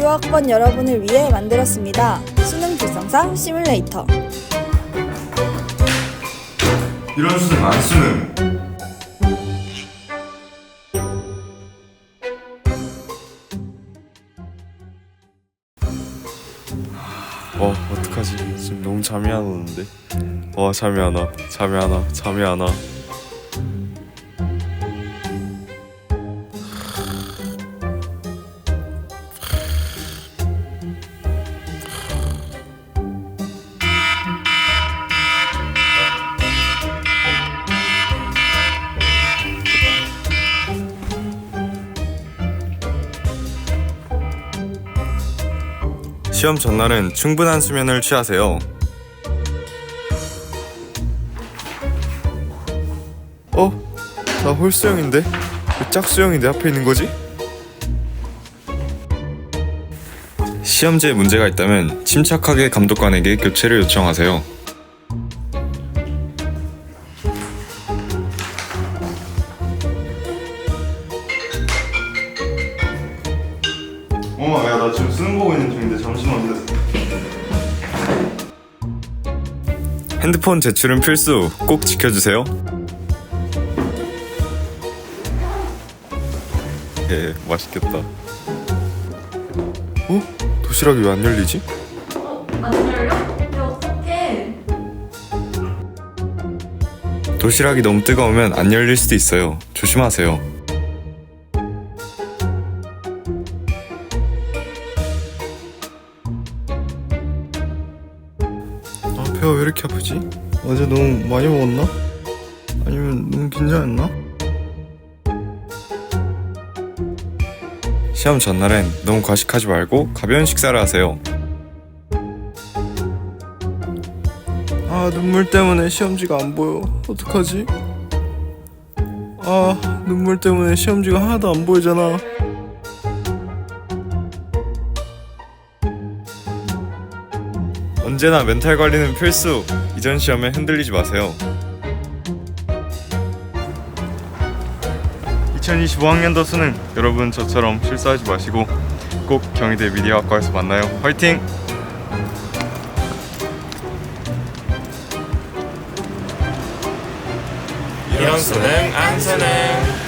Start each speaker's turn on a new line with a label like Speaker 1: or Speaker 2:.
Speaker 1: 유학번 여러분을 위해 만들었습니다. 수능 불성사 시뮬레이터.
Speaker 2: 이런 수능 안 수능.
Speaker 3: 어떡하지? 지금 너무 잠이 안 오는데. 잠이 안 와. 잠이 안 와. 시험 전날은 충분한 수면을 취하세요. 나 홀수영인데? 왜 짝수영이 내 앞에 있는 거지? 시험지에 문제가 있다면 침착하게 감독관에게 교체를 요청하세요.
Speaker 2: 야, 나 지금 수능 보고 있는 중인데 잠시만 기다려.
Speaker 3: 핸드폰 제출은 필수. 꼭 지켜주세요. 맛있겠다. 도시락이 왜 안 열리지?
Speaker 4: 안 열려? 근데 어떡해?
Speaker 3: 도시락이 너무 뜨거우면 안 열릴 수도 있어요. 조심하세요. 배가 왜 이렇게 아프지? 어제 너무 많이 먹었나? 아니면 너무 긴장했나? 시험 전날엔 너무 과식하지 말고 가벼운 식사를 하세요. 눈물 때문에 시험지가 안 보여. 어떡하지? 눈물 때문에 시험지가 하나도 안 보이잖아. 언제나 멘탈 관리는 필수. 이전 시험에 흔들리지 마세요. 2025학년도 수능, 여러분 저처럼 실수하지 마시고 꼭 경희대 미디어학과에서 만나요. 화이팅!
Speaker 5: 이런 수능 안 수능